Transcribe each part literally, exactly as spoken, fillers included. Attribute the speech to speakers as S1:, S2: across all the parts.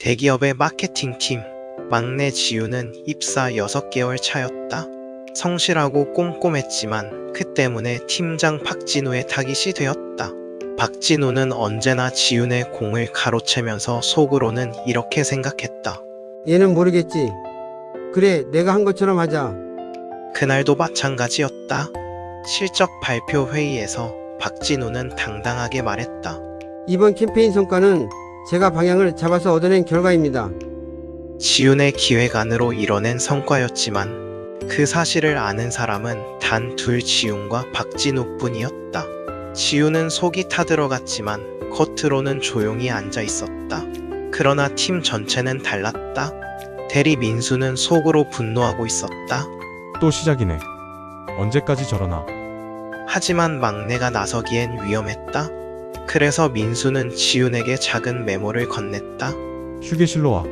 S1: 대기업의 마케팅팀, 막내 지우는 입사 여섯 개월 차였다. 성실하고 꼼꼼했지만 그 때문에 팀장 박진우의 타깃이 되었다. 박진우는 언제나 지훈의 공을 가로채면서 속으로는 이렇게 생각했다.
S2: 얘는 모르겠지. 그래, 내가 한 것처럼 하자.
S1: 그날도 마찬가지였다. 실적 발표 회의에서 박진우는 당당하게 말했다.
S2: 이번 캠페인 성과는 제가 방향을 잡아서 얻어낸 결과입니다.
S1: 지훈의 기획안으로 이뤄낸 성과였지만 그 사실을 아는 사람은 단 둘 지훈과 박진우뿐이었다. 지훈은 속이 타들어갔지만 겉으로는 조용히 앉아 있었다. 그러나 팀 전체는 달랐다. 대리 민수는 속으로 분노하고 있었다.
S3: 또 시작이네. 언제까지 저러나.
S1: 하지만 막내가 나서기엔 위험했다. 그래서 민수는 지훈에게 작은 메모를 건넸다.
S3: 휴게실로 와.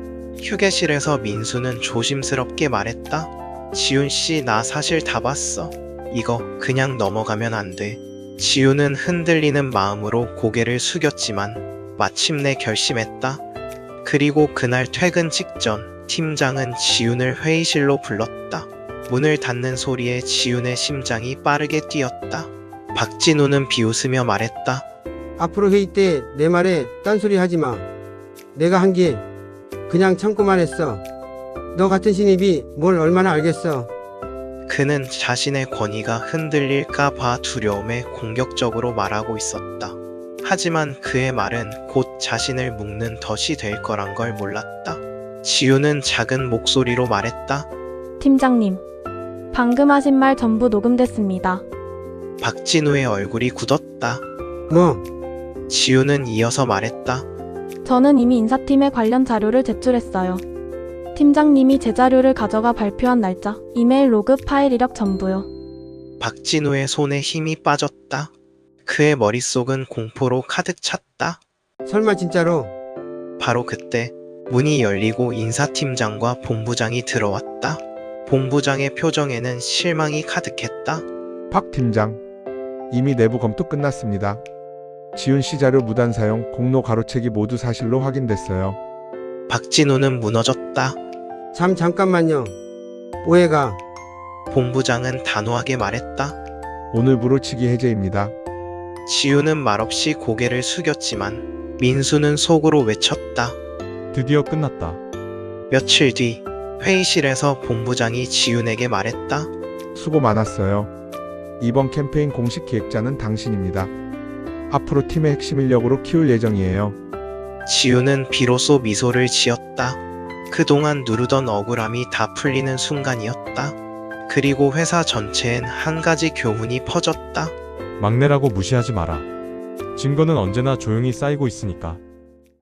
S1: 휴게실에서 민수는 조심스럽게 말했다. 지훈 씨, 나 사실 다 봤어. 이거 그냥 넘어가면 안 돼. 지훈은 흔들리는 마음으로 고개를 숙였지만 마침내 결심했다. 그리고 그날 퇴근 직전 팀장은 지훈을 회의실로 불렀다. 문을 닫는 소리에 지훈의 심장이 빠르게 뛰었다. 박진우는 비웃으며 말했다.
S2: 앞으로 회의 때 내 말에 딴소리 하지 마. 내가 한 게 그냥 참고만 했어. 너 같은 신입이 뭘 얼마나 알겠어.
S1: 그는 자신의 권위가 흔들릴까 봐 두려움에 공격적으로 말하고 있었다. 하지만 그의 말은 곧 자신을 묶는 덫이 될 거란 걸 몰랐다. 지우는 작은 목소리로 말했다.
S4: 팀장님, 방금 하신 말 전부 녹음됐습니다.
S1: 박진우의 얼굴이 굳었다.
S2: 뭐?
S1: 지우는 이어서 말했다.
S4: 저는 이미 인사팀에 관련 자료를 제출했어요. 팀장님이 제 자료를 가져가 발표한 날짜, 이메일 로그, 파일 이력 전부요.
S1: 박진우의 손에 힘이 빠졌다. 그의 머릿속은 공포로 가득 찼다.
S2: 설마 진짜로?
S1: 바로 그때 문이 열리고 인사팀장과 본부장이 들어왔다. 본부장의 표정에는 실망이 가득했다.
S5: 박 팀장, 이미 내부 검토 끝났습니다. 지훈 씨 자료 무단 사용, 공로 가로채기 모두 사실로 확인됐어요.
S1: 박진우는 무너졌다.
S2: 잠 잠깐만요. 오해가.
S1: 본부장은 단호하게 말했다.
S5: 오늘부로 직위 해제입니다.
S1: 지우는 말없이 고개를 숙였지만 민수는 속으로 외쳤다.
S3: 드디어 끝났다.
S1: 며칠 뒤 회의실에서 본부장이 지훈에게 말했다.
S5: 수고 많았어요. 이번 캠페인 공식 기획자는 당신입니다. 앞으로 팀의 핵심 인력으로 키울 예정이에요.
S1: 지훈은 비로소 미소를 지었다. 그동안 누르던 억울함이 다 풀리는 순간이었다. 그리고 회사 전체엔 한 가지 교훈이 퍼졌다.
S3: 막내라고 무시하지 마라. 증거는 언제나 조용히 쌓이고 있으니까.